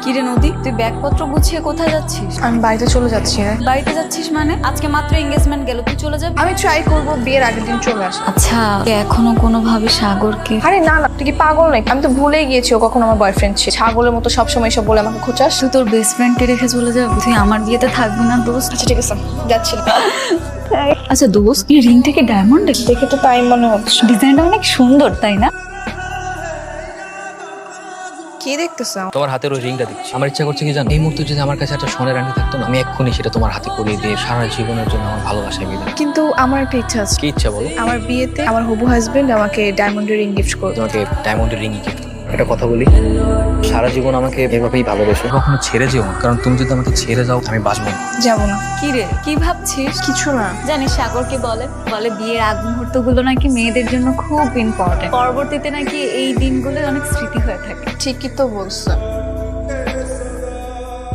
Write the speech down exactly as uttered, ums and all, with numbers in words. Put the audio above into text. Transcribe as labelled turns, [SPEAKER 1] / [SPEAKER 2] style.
[SPEAKER 1] কিরে নদী, তুই ব্যাগপত্র গুছিয়ে কোথায় যাচ্ছিস?
[SPEAKER 2] আমি বাড়িতে চলে যাচ্ছি রে।
[SPEAKER 1] বাড়িতে যাচ্ছিস মানে? আজকে মাত্র এঙ্গেজমেন্ট গেল, তুই চলে যাবি?
[SPEAKER 2] আমি ট্রাই করবো বিয়ের আগের দিন চলে আসা।
[SPEAKER 1] আচ্ছা, তুই এখনো কোনোভাবে সাগরকে?
[SPEAKER 2] আরে না না, তুই কি পাগল নাকি? আমি তো ভুলেই গিয়েছি ও কখন আমার বয়ফ্রেন্ড ছিল। ছাগলের মতো সবসময় এসব বলে আমাকে খোঁচাস।
[SPEAKER 1] তুই তোর বেস্ট ফ্রেন্ডকে রেখে চলে যাবি? তুই আমার বিয়েতে থাকবি না দোস্ত?
[SPEAKER 2] আচ্ছা ঠিক আছে, যাচ্ছি।
[SPEAKER 1] আচ্ছা দোস্ত, এই রিং থেকে ডায়মন্ড
[SPEAKER 2] দেখে তো তাই মনে হচ্ছে।
[SPEAKER 1] ডিজাইনটা অনেক সুন্দর, তাই না?
[SPEAKER 2] কি দেখতেছ?
[SPEAKER 3] তোমার হাতের ওই রিংটা দেখছি, আমার ইচ্ছা করছে কি জানো, এই মুহূর্তে যদি আমার কাছে একটা সোনার আংটি থাকতো না, আমি এক্ষুনি সেটা তোমার হাতে পরিয়ে দিয়ে সারা জীবনের জন্য আমার ভালোবাসায় বিদায়।
[SPEAKER 2] কিন্তু আমার একটা ইচ্ছা আছে।
[SPEAKER 3] কি ইচ্ছা বলো?
[SPEAKER 2] আমার বিয়েতে আমার হবু হাজবেন্ড আমাকে ডায়মন্ডের রিং গিফট করবে।
[SPEAKER 3] তোমাকে ডায়মন্ডের রিংই গিফট। একটা কথা বলি, সারা জীবন আমাকে এভাবেই ভালোবেসো, কখনো ছেড়ে যেও না, কারণ তুমি যদি আমাকে ছেড়ে যাও আমি বাঁচবো না।
[SPEAKER 2] যাবো না।
[SPEAKER 1] কি রে, কি ভাবছিস?
[SPEAKER 2] কিছু না।
[SPEAKER 1] জানিস সাগর কি বলে? বলে বিয়ের আগ মুহূর্ত গুলো নাকি মেয়েদের জন্য খুব ইম্পর্টেন্ট। পরবর্তীতে নাকি এই দিনগুলো অনেক স্মৃতি হয়ে থাকে।
[SPEAKER 2] ঠিকই তো বলছো।